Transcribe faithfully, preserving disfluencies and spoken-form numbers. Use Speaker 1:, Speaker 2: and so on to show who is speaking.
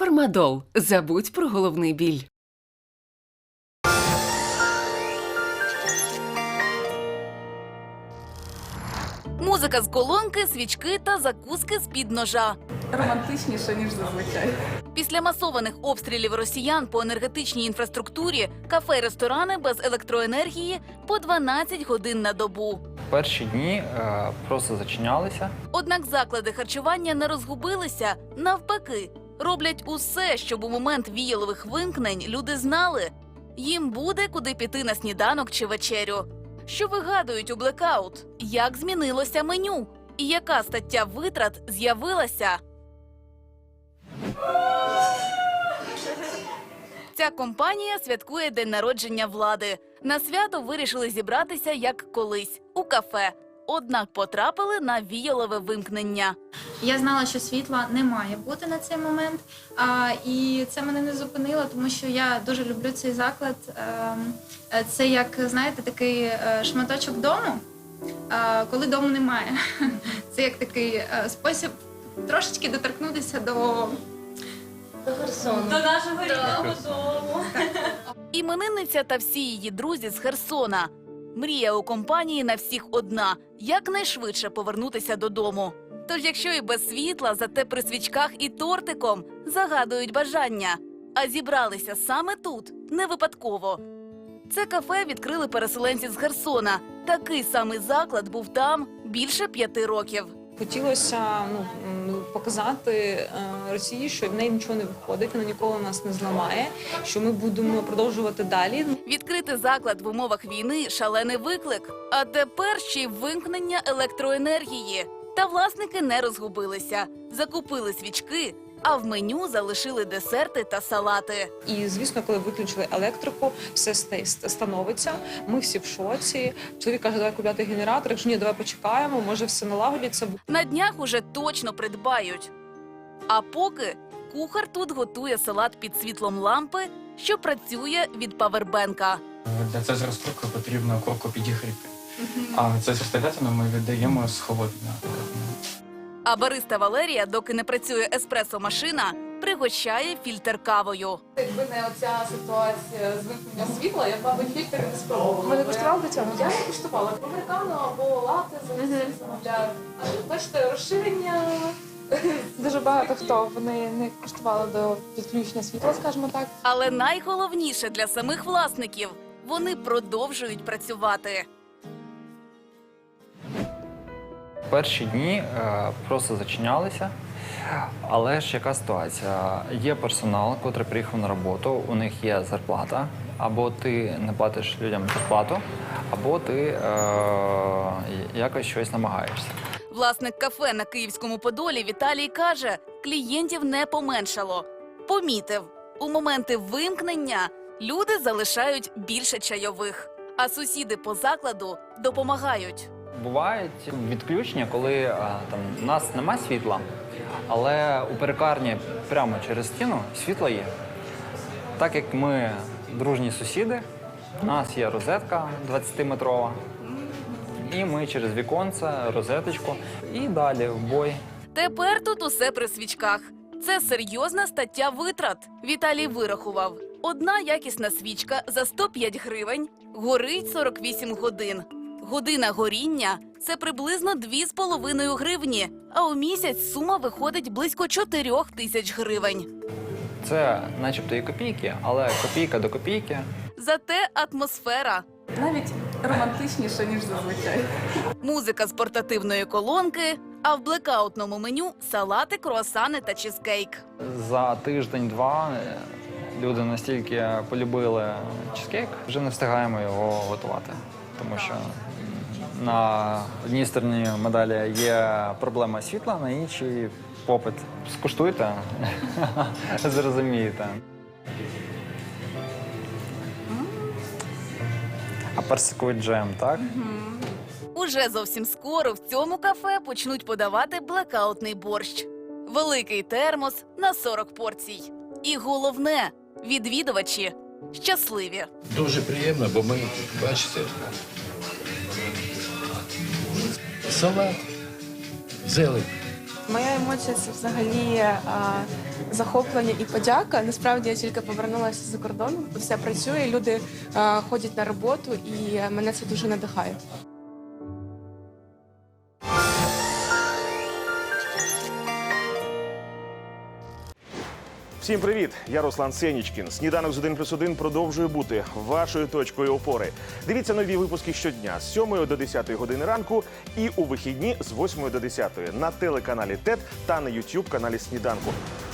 Speaker 1: Фармадол. Забудь про головний біль.
Speaker 2: Музика з колонки, свічки та закуски з-під ножа.
Speaker 3: Романтичніше, ніж зазвичай.
Speaker 2: Після масованих обстрілів росіян по енергетичній інфраструктурі кафе й ресторани без електроенергії по дванадцять годин на добу.
Speaker 4: Перші дні е, просто зачинялися.
Speaker 2: Однак заклади харчування не розгубилися. Навпаки, роблять усе, щоб у момент віялових вимкнень люди знали – їм буде куди піти на сніданок чи вечерю. Що вигадують у блекаут? Як змінилося меню? І яка стаття витрат з'явилася? Ця компанія святкує день народження влади. На свято вирішили зібратися, як колись, у кафе. Однак потрапили на віялове вимкнення.
Speaker 5: Я знала, що світла не має бути на цей момент, а, і це мене не зупинило, тому що я дуже люблю цей заклад. Е, це як, знаєте, такий е, шматочок дому, е, коли дому немає. Це як такий е, спосіб трошечки доторкнутися до...
Speaker 6: До Херсону.
Speaker 5: До нашого рідного дому.
Speaker 2: Іменинниця та всі її друзі з Херсона. Мрія у компанії на всіх одна – якнайшвидше повернутися додому. Тож якщо і без світла, зате при свічках і тортиком загадують бажання. А зібралися саме тут, не випадково. Це кафе відкрили переселенці з Херсона. Такий самий заклад був там більше п'яти років.
Speaker 3: Хотілося ну, показати е, Росії, що в неї нічого не виходить, вона ніколи нас не зламає, що ми будемо продовжувати далі.
Speaker 2: Відкрити заклад в умовах війни – шалений виклик. А тепер ще й вимкнення електроенергії. Та власники не розгубилися. Закупили свічки, а в меню залишили десерти та салати.
Speaker 3: І, звісно, коли виключили електрику, все становиться, ми всі в шоці. Чоловік каже, давай купляти генератор, якщо ні, давай почекаємо, може все налагодиться.
Speaker 2: На днях уже точно придбають. А поки кухар тут готує салат під світлом лампи, що працює від павербенка.
Speaker 7: Для цезаря розкрутки потрібно курку підігріти. А цезар стегатину ми віддаємо з холодною.
Speaker 2: А бариста Валерія, доки не працює еспресо-машина, пригощає фільтр кавою.
Speaker 8: Якби не оця ситуація з вимкнення світла, я б, мабуть, фільтр не спробувала. Ви не куштували до цього? Я не куштувала. Американо або лати замовляю. Бачите, розширення. Дуже багато хто вони не куштували до підключення світла, скажімо так.
Speaker 2: Але найголовніше для самих власників – вони продовжують працювати.
Speaker 4: Перші дні е, просто зачинялися. Але ж яка ситуація? Є персонал, який приїхав на роботу, у них є зарплата. Або ти не платиш людям зарплату, або ти е, якось щось намагаєшся.
Speaker 2: Власник кафе на Київському Подолі Віталій каже, клієнтів не поменшало. Помітив, у моменти вимкнення люди залишають більше чайових, а сусіди по закладу допомагають.
Speaker 4: Бувають відключення, коли а, там, у нас немає світла, але у перекарні прямо через стіну світло є. Так як ми дружні сусіди, у нас є розетка двадцятиметрова, і ми через віконце, розеточку і далі в бой.
Speaker 2: Тепер тут усе при свічках. Це серйозна стаття витрат. Віталій вирахував. Одна якісна свічка за сто п'ять гривень горить сорок вісім годин. Година горіння – це приблизно дві з половиною гривні, а у місяць сума виходить близько чотирьох тисяч гривень.
Speaker 4: Це начебто і копійки, але копійка до копійки.
Speaker 2: Зате атмосфера.
Speaker 3: Навіть романтичніше, ніж зазвичай.
Speaker 2: Музика з портативної колонки, а в блекаутному меню – салати, круасани та чизкейк.
Speaker 4: За тиждень-два люди настільки полюбили чизкейк, вже не встигаємо його готувати. Тому що на одній стороні медалі є проблема світла, на іншій – попит. Скуштуйте, зрозумієте. А персиковий джем, так?
Speaker 2: Уже зовсім скоро в цьому кафе почнуть подавати блекаутний борщ. Великий термос на сорок порцій. І головне – відвідувачі щасливі.
Speaker 9: Дуже приємно, бо ми, бачите, салат, зелень.
Speaker 8: Моя емоція – це взагалі а, захоплення і подяка. Насправді я тільки повернулася з-за кордону, все працює, люди е, ходять на роботу, і мене це дуже надихає.
Speaker 10: Всім привіт! Я Руслан Сенічкін. Сніданок з один плюс один продовжує бути вашою точкою опори. Дивіться нові випуски щодня з сьомої до десятої години ранку і у вихідні з восьмої до десятої на телеканалі ТЕТ та на ютуб каналі Сніданку.